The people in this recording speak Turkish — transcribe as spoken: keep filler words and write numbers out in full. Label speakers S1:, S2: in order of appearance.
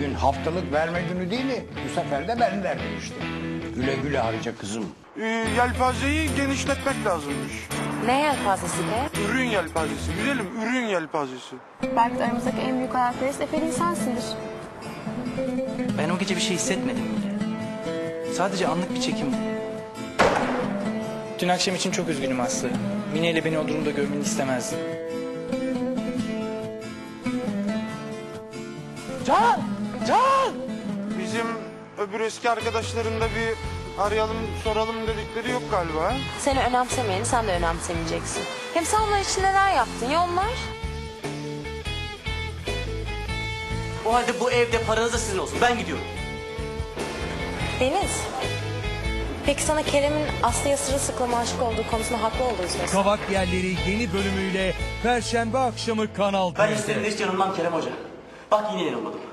S1: Bugün haftalık verme günü değil mi? Bu sefer de ben verdim işte. Güle güle harca kızım.
S2: Ee, yelpazeyi genişletmek lazımmış.
S3: Ne yelpazesi be?
S2: Ürün yelpazesi. Güzelim, ürün yelpazesi.
S4: Belki de aramızdaki en büyük hayalperest Efe'nin sensindir.
S5: Ben o gece bir şey hissetmedim bile. Sadece anlık bir çekimdi.
S6: Dün akşam için çok üzgünüm Aslı. Mine ile beni o durumda görmeni istemezdim.
S5: Can! Can!
S2: Bizim öbür eski arkadaşların da bir arayalım, soralım dedikleri yok galiba.
S3: Seni önemsemeyeni sen de önemsemeyeceksin. Hem sen onlar için neler yaptın ya onlar?
S5: O halde bu evde paranız da sizin olsun. Ben gidiyorum.
S3: Deniz. Peki sana Kerem'in Aslı'ya sırılsıklama aşık olduğu konusunda haklı olduğunu söylesene.
S7: Kavak Yerleri yeni bölümüyle Perşembe akşamı Kanal
S5: Ben
S7: D'de.
S5: isterim hiç yanılmam Kerem Hoca. Bak yine yanılmadım.